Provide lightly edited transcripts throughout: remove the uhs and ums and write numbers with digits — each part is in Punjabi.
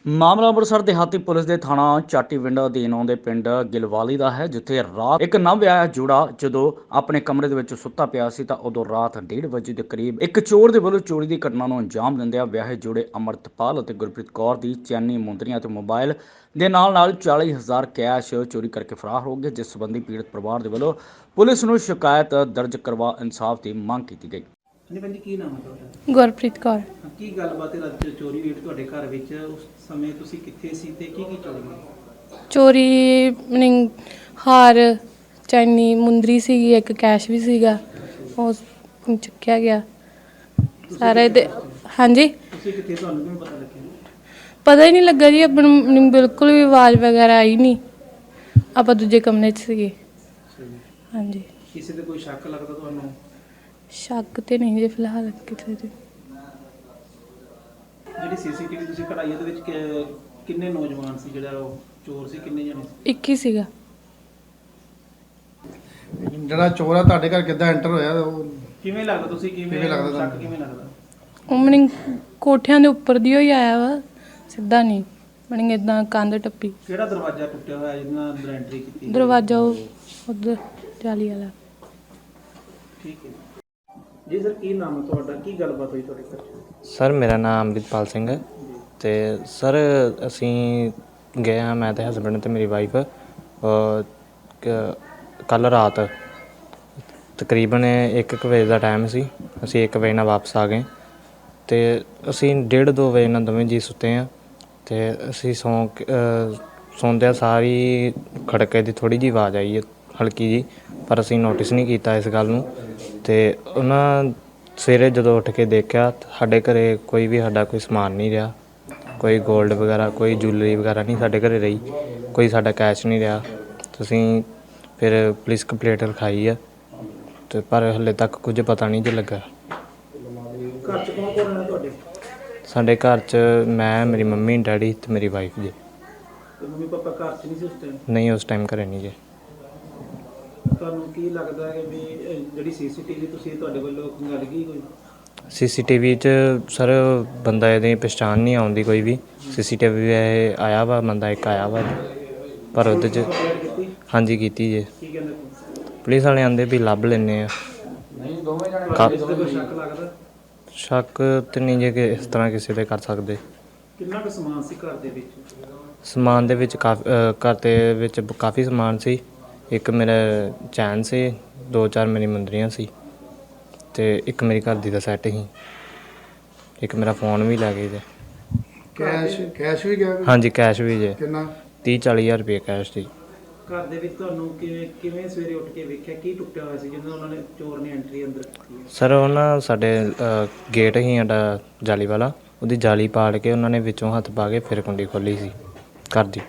ਮਾਮਲਾ ਅੰਮ੍ਰਿਤਸਰ ਦਿਹਾਤੀ ਪੁਲਿਸ ਦੇ ਥਾਣਾ ਚਾਟੀਵਿੰਡ ਅਧੀਨ ਆਉਂਦੇ ਪਿੰਡ ਗਿਲਵਾਲੀ ਦਾ ਹੈ, ਜਿੱਥੇ ਰਾਤ ਇੱਕ ਨਵ-ਵਿਆਹਿਆ ਜੋੜਾ ਜਦੋਂ ਆਪਣੇ ਕਮਰੇ ਦੇ ਵਿੱਚ ਸੁੱਤਾ ਪਿਆ ਸੀ ਤਾਂ ਉਦੋਂ ਰਾਤ 1:30 ਵਜੇ ਦੇ ਕਰੀਬ ਇੱਕ ਚੋਰ ਦੇ ਵੱਲੋਂ ਚੋਰੀ ਦੀ ਘਟਨਾ ਨੂੰ ਅੰਜਾਮ ਦਿੰਦਿਆਂ ਵਿਆਹੇ ਜੋੜੇ ਅਮਰਤਪਾਲ ਅਤੇ ਗੁਰਪ੍ਰੀਤ ਕੌਰ ਦੀ ਚੈਨੀ ਮੁੰਦਰੀਆਂ ਅਤੇ ਮੋਬਾਈਲ ਦੇ ਨਾਲ 40,000 ਕੈਸ਼ ਚੋਰੀ ਕਰਕੇ ਫਰਾਰ ਹੋ ਗਏ, ਜਿਸ ਸੰਬੰਧੀ ਪੀੜਤ ਪਰਿਵਾਰ ਦੇ ਵੱਲੋਂ ਪੁਲਿਸ ਨੂੰ ਸ਼ਿਕਾਇਤ ਦਰਜ ਕਰਵਾ ਇਨਸਾਫ ਦੀ ਮੰਗ ਕੀਤੀ ਗਈ। ਹਾਂਜੀ ਭੈਣ ਜੀ, ਕੀ ਨਾਮ ਹੈ ਤੁਹਾਡਾ? ਗੁਰਪ੍ਰੀਤ ਕੌਰ। ਕੀ ਗੱਲਬਾਤ ਹੈ? ਰਾਤ ਚੋਰੀ ਹੋਈ ਤੁਹਾਡੇ ਘਰ ਵਿੱਚ, ਉਸ ਸਮੇਂ ਤੁਸੀਂ ਕਿੱਥੇ ਸੀ ਤੇ ਕੀ ਚੋਰੀ ਹੋਈ? ਚੋਰੀ ਮੀਨਿੰਗ ਹਾਰ, ਚੈਨੀ, ਮੁੰਦਰੀ ਸੀਗੀ, ਇੱਕ ਕੈਸ਼ ਵੀ ਸੀਗਾ, ਉਹ ਚੁੱਕਿਆ ਗਿਆ ਸਾਰੇ ਦੇ। ਹਾਂਜੀ, ਤੁਸੀਂ ਕਿੱਥੇ? ਤੁਹਾਨੂੰ ਕਿਵੇਂ ਪਤਾ ਲੱਗਿਆ? ਪਤਾ ਹੀ ਨਹੀਂ ਲੱਗਾ ਜੀ, ਆਪਾਂ ਨੂੰ ਬਿਲਕੁਲ ਵੀ ਆਵਾਜ਼ ਵਗੈਰਾ ਆਈ ਨਹੀਂ, ਆਪਾਂ ਦੂਜੇ ਕਮਰੇ 'ਚ ਸੀਗੇ। ਹਾਂਜੀ। ਕਿਸੇ ਤੇ ਕੋਈ ਸ਼ੱਕ ਲੱਗਦਾ ਤੁਹਾਨੂੰ? ਸ਼ੱਕ ਤੇ ਨਹੀਂ ਜੀ ਫਿਲਹਾਲ ਕਿਸੇ ਤੇ। ਜਿਹੜੀ ਸੀਸੀਟੀਵੀ ਤੁਸੀਂ ਕਢਾਈ ਉਹਦੇ ਵਿੱਚ ਕਿੰਨੇ ਨੌਜਵਾਨ ਸੀ? ਜਿਹੜਾ ਉਹ ਚੋਰ ਸੀ ਕਿੰਨੇ ਜਣੇ ਸੀ? ਇੱਕ ਹੀ ਸੀਗਾ। ਜਿਹੜਾ ਚੋਰ ਆ ਤੁਹਾਡੇ ਘਰ ਕਿੱਦਾਂ ਐਂਟਰ ਹੋਇਆ? ਉਹ ਕਿਵੇਂ ਲੱਗਦਾ? ਤੁਸੀਂ ਕਿਵੇਂ ਲੱਗਦਾ ਸ਼ੱਕ ਕਿਵੇਂ ਲੱਗਦਾ? ਉਹ ਮੀਨਿੰਗ ਕੋਠਿਆਂ ਦੇ ਉੱਪਰ ਦੀ ਹੀ ਆਇਆ ਵਾ, ਸਿੱਧਾ ਨਹੀਂ ਮੀਨਿੰਗ ਇਦਾਂ ਕੰਧ ਟੱਪੀ। ਕਿਹੜਾ ਦਰਵਾਜ਼ਾ ਟੁੱਟਿਆ ਹੋਇਆ ਜਿਹਦੇ ਨਾਲ ਅੰਦਰ ਐਂਟਰੀ ਕੀਤੀ? ਦਰਵਾਜ਼ਾ ਉਹ ਉਧਰ ਜਾਲੀ ਵਾਲਾ। ਠੀਕ ਹੈ ਜੀ ਸਰ, ਕੀ ਨਾਮ ਹੈ ਤੁਹਾਡਾ? ਕੀ ਗੱਲਬਾਤ ਹੋਈ ਤੁਹਾਡੇ ਘਰ? ਸਰ ਮੇਰਾ ਨਾਮ ਅੰਮ੍ਰਿਤਪਾਲ ਸਿੰਘ ਹੈ ਅਤੇ ਸਰ ਅਸੀਂ ਗਏ ਹਾਂ, ਮੈਂ ਅਤੇ ਹਸਬੈਂਡ ਅਤੇ ਮੇਰੀ ਵਾਈਫ ਕੱਲ੍ਹ ਰਾਤ ਤਕਰੀਬਨ 1 ਵਜੇ ਦਾ ਟਾਈਮ ਸੀ। ਅਸੀਂ 1 ਵਜੇ ਨਾਲ ਵਾਪਸ ਆ ਗਏ ਅਤੇ ਅਸੀਂ 1:30-2 ਵਜੇ ਨਾਲ ਦੋਵੇਂ ਜੀ ਸੁੱਤੇ ਹਾਂ ਅਤੇ ਅਸੀਂ ਸੌਂਦਿਆਂ ਸਾਰੀ ਖੜਕੇ ਦੀ ਥੋੜ੍ਹੀ ਜਿਹੀ ਆਵਾਜ਼ ਆਈ ਹੈ, ਹਲਕੀ ਜੀ, ਪਰ ਅਸੀਂ ਨੋਟਿਸ ਨਹੀਂ ਕੀਤਾ ਇਸ ਗੱਲ ਨੂੰ। ਅਤੇ ਉਹਨਾਂ ਸਵੇਰੇ ਜਦੋਂ ਉੱਠ ਕੇ ਦੇਖਿਆ ਸਾਡੇ ਘਰ ਕੋਈ ਸਮਾਨ ਨਹੀਂ ਰਿਹਾ, ਕੋਈ ਗੋਲਡ ਵਗੈਰਾ, ਕੋਈ ਜੁਐਲਰੀ ਵਗੈਰਾ ਨਹੀਂ ਸਾਡੇ ਘਰ ਰਹੀ, ਕੋਈ ਸਾਡਾ ਕੈਸ਼ ਨਹੀਂ ਰਿਹਾ। ਤੁਸੀਂ ਫਿਰ ਪੁਲਿਸ ਕੰਪਲੇਂਟ ਲਿਖਾਈ ਆ ਅਤੇ ਪਰ ਹਾਲੇ ਤੱਕ ਕੁਝ ਪਤਾ ਨਹੀਂ ਜੇ ਲੱਗਾ। ਘਰ 'ਚ ਕੌਣ ਰਹਿੰਦਾ ਤੁਹਾਡੇ? ਸਾਡੇ ਘਰ 'ਚ ਮੈਂ, ਮੇਰੀ ਮੰਮੀ, ਡੈਡੀ ਅਤੇ ਮੇਰੀ ਵਾਈਫ ਜੀ। ਤੇ ਮੰਮੀ ਪਾਪਾ ਘਰ 'ਚ ਨਹੀਂ ਸੀ ਉਸ ਟਾਈਮ? ਨਹੀਂ, ਉਸ ਟਾਈਮ ਘਰੇ ਨਹੀਂ ਜੀ। ਤੁਹਾਨੂੰ ਕੀ ਲੱਗਦਾ ਹੈ ਵੀ ਜਿਹੜੀ ਸੀਸੀਟੀਵੀ ਤੁਸੀਂ ਤੁਹਾਡੇ ਵੱਲੋਂ ਖੰਗਾਲ ਗਈ ਕੋਈ? ਸੀਸੀਟੀਵੀ 'ਚ ਸਰ ਬੰਦਾ ਇਹਦੀ ਪਛਾਣ ਨਹੀਂ ਆਉਂਦੀ ਕੋਈ ਵੀ। ਸੀਸੀਟੀਵੀ ਇਹ ਆਇਆ ਵਾ, ਬੰਦਾ ਇੱਕ ਆਇਆ ਵਾ, ਪਰ ਉਹਦੇ 'ਚ ਹਾਂਜੀ ਕੀਤੀ ਜੇ। ਕੀ ਕਹਿੰਦੇ? ਪੁਲਿਸ ਵਾਲੇ ਆਂਦੇ ਵੀ ਲੱਭ ਲੈਂਦੇ ਆ। ਸ਼ੱਕ ਲੱਗਦਾ? ਸ਼ੱਕ ਤਾਂ ਨਹੀਂ ਜੇ ਕਿ ਇਸ ਤਰ੍ਹਾਂ ਕਿਸੇ 'ਤੇ ਕਰ ਸਕਦੇ। ਕਿੰਨਾ ਕੁ ਸਮਾਨ ਸੀ ਘਰ ਦੇ ਵਿੱਚ? ਸਮਾਨ ਦੇ ਵਿੱਚ ਘਰ ਦੇ ਵਿੱਚ ਕਾਫੀ ਸਮਾਨ ਸੀ। ਇੱਕ ਮੇਰਾ ਚੈਨ ਸੀ, 2-4 ਮੇਰੀ ਮੁੰਦਰੀਆਂ ਸੀ ਅਤੇ ਇੱਕ ਮੇਰੀ ਘਰ ਦੀ ਦਾ ਸੈੱਟ ਸੀ। ਇੱਕ ਮੇਰਾ ਫੋਨ ਵੀ ਲੈ ਗਏ ਜੇ। ਕੈਸ਼ ਵੀ ਗਿਆ? ਹਾਂਜੀ, ਕੈਸ਼ ਵੀ ਜੇ। ਕਿੰਨਾ? 30-40 ਹਜ਼ਾਰ ਰੁਪਏ ਕੈਸ਼ ਸੀ। ਘਰ ਦੇ ਵਿੱਚ ਤੁਹਾਨੂੰ ਕਿਵੇਂ ਸਵੇਰੇ ਉੱਠ ਕੇ ਵੇਖਿਆ? ਕੀ ਟੁੱਟਿਆ ਹੋਇਆ ਸੀ ਜਿਹਨਾਂ ਉਹਨਾਂ ਨੇ ਚੋਰ ਨੇ ਐਂਟਰੀ ਅੰਦਰ ਕੀਤੀ? ਸਰ ਉਹ ਨਾ ਸਾਡੇ ਗੇਟ ਸੀ ਸਾਡਾ ਜਾਲੀ ਵਾਲਾ, ਉਹਦੀ ਜਾਲੀ ਪਾੜ ਕੇ ਉਹਨਾਂ ਨੇ ਵਿੱਚੋਂ ਹੱਥ ਪਾ ਕੇ ਫਿਰ ਕੁੰਡੀ ਖੋਲ੍ਹੀ ਸੀ ਘਰ ਦੀ।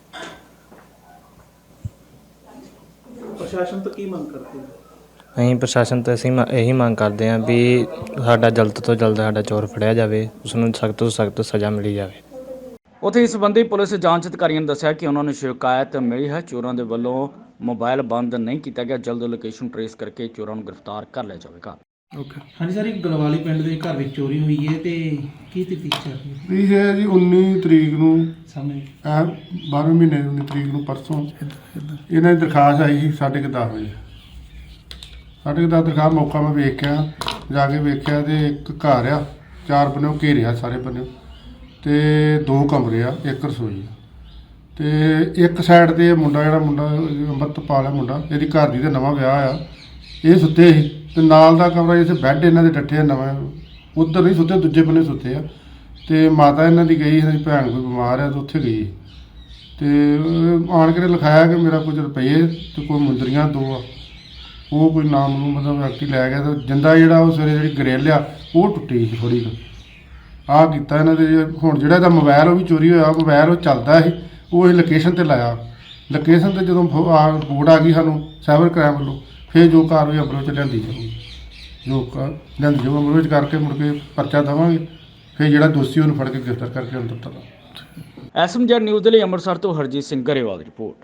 ਪ੍ਰਸ਼ਾਸਨ ਤੋਂ ਕੀ ਮੰਗ ਕਰਦੇ ਹੋ? ਅਸੀਂ ਪ੍ਰਸ਼ਾਸਨ ਤੋਂ ਇਹੀ ਮੰਗ ਕਰਦੇ ਹਾਂ ਵੀ ਸਾਡਾ ਜਲਦ ਤੋਂ ਜਲਦ ਸਾਡਾ ਚੋਰ ਫੜਿਆ ਜਾਵੇ, ਉਸਨੂੰ ਸਖਤ ਤੋਂ ਸਖਤ ਸਜ਼ਾ ਮਿਲੀ ਜਾਵੇ। ਉੱਥੇ ਇਸ ਸੰਬੰਧੀ ਪੁਲਿਸ ਜਾਂਚ ਅਧਿਕਾਰੀਆਂ ਨੇ ਦੱਸਿਆ ਕਿ ਉਹਨਾਂ ਨੂੰ ਸ਼ਿਕਾਇਤ ਮਿਲੀ ਹੈ, ਚੋਰਾਂ ਦੇ ਵੱਲੋਂ ਮੋਬਾਈਲ ਬੰਦ ਨਹੀਂ ਕੀਤਾ ਗਿਆ, ਜਲਦ ਲੋਕੇਸ਼ਨ ਟਰੇਸ ਕਰਕੇ ਚੋਰਾਂ ਨੂੰ ਗ੍ਰਿਫਤਾਰ ਕਰ ਲਿਆ ਜਾਵੇਗਾ। ਓਕੇ। ਹਾਂਜੀ ਸਰ, ਇੱਕ ਗਲਵਾਲੀ ਪਿੰਡ ਦੇ ਘਰ ਵਿੱਚ ਚੋਰੀ ਹੋਈ ਹੈ ਤੇ ਕੀ ਤਫਤੀਸ਼ ਚੱਲ ਰਹੀ ਹੈ? ਇਹ ਹੈ ਜੀ 19 ਤਰੀਕ ਨੂੰ, ਸਾਹਮਣੇ 12ਵੇਂ ਮਹੀਨੇ 19 ਤਰੀਕ ਨੂੰ, ਪਰਸੋਂ ਇਹਨਾਂ ਦੀ ਦਰਖਾਸਤ ਆਈ ਸੀ 10:30 ਵਜੇ। 10:30 ਦਰਖਾਸਤ ਮੌਕਾ ਮੈਂ ਵੇਖਿਆ, ਜਾ ਕੇ ਵੇਖਿਆ ਤੇ ਇੱਕ ਘਰ ਆ, 4 ਬੰਨਿਓ ਘੇਰਿਆ ਸਾਰੇ ਬੰਨਿਓ, ਤੇ 2 ਕਮਰੇ ਆ, 1 ਰਸੋਈ ਆ, ਤੇ ਇੱਕ ਸਾਈਡ ਤੇ ਮੁੰਡਾ ਅੰਮ੍ਰਿਤਪਾਲ ਆ ਮੁੰਡਾ, ਇਹਦੀ ਘਰ ਦੀ ਦਾ ਨਵਾਂ ਵਿਆਹ ਆ, ਇਹ ਸੁੱਤੇ ਸੀ ਤੇ ਨਾਲ ਦਾ ਕਮਰਾ ਜਿੱਥੇ ਬੈੱਡ ਇਹਨਾਂ ਦੇ ਡੱਠੇ ਆ ਨਵਾਂ, ਉੱਧਰ ਨਹੀਂ ਸੁੱਤੇ, ਦੂਜੇ ਬੰਨੇ ਸੁੱਤੇ ਆ। ਤੇ ਮਾਤਾ ਇਹਨਾਂ ਦੀ ਗਈ, ਇਹਨਾਂ ਦੀ ਭੈਣ ਕੋਈ ਬਿਮਾਰ ਆ ਤੇ ਉੱਥੇ ਗਈ, ਤੇ ਆਣ ਕੇ ਲਿਖਾਇਆ ਕਿ ਮੇਰਾ ਕੁਝ ਰੁਪਈਏ ਤੇ ਕੋਈ ਮੁੰਦਰੀਆਂ 2 ਆ, ਉਹ ਕੋਈ ਨਾਮ ਨੂੰ ਮਤਲਬ ਵਿਅਕਤੀ ਲੈ ਗਿਆ। ਤੇ ਜਿੰਦਾ ਜਿਹੜਾ ਉਹ ਸਵੇਰੇ ਜਿਹੜੀ ਗਰਿੱਲ ਆ ਉਹ ਟੁੱਟੀ ਸੀ ਥੋੜ੍ਹੀ ਕੁ। ਆਹ ਕੀਤਾ ਇਹਨਾਂ ਦੇ। ਹੁਣ ਜਿਹੜਾ ਇਹਦਾ ਮੋਬਾਈਲ ਉਹ ਵੀ ਚੋਰੀ ਹੋਇਆ, ਮੋਬਾਈਲ ਉਹ ਚੱਲਦਾ ਸੀ, ਉਹ ਅਸੀਂ ਲੋਕੇਸ਼ਨ 'ਤੇ ਲਾਇਆ। ਲੋਕੇਸ਼ਨ 'ਤੇ ਜਦੋਂ ਰਿਪੋਰਟ ਆ ਗਈ ਸਾਨੂੰ ਸਾਈਬਰ ਕ੍ਰਾਈਮ ਵੱਲੋਂ, ਫਿਰ ਜੋ ਕਾਰਵਾਈ ਅਮਲ 'ਚ ਲਿਆਂਦੀ ਜਾਊਗੀ, ਲਿਆਂਦੀ ਜਾਊ ਅਮਲ ਵਿੱਚ ਕਰਕੇ ਮੁੜ ਕੇ ਪਰਚਾ ਦੇਵਾਂਗੇ, ਫਿਰ ਜਿਹੜਾ ਦੋਸ਼ੀ ਉਹਨੂੰ ਫੜ ਕੇ ਗ੍ਰਿਫਤਾਰ ਕਰਕੇ ਅੰਦਰ ਤੱਕ। SMZ ਨਿਊਜ਼ ਦੇ ਲਈ ਅੰਮ੍ਰਿਤਸਰ ਤੋਂ ਹਰਜੀਤ ਸਿੰਘ ਗਰੇਵਾਲ ਦੀ ਰਿਪੋਰਟ।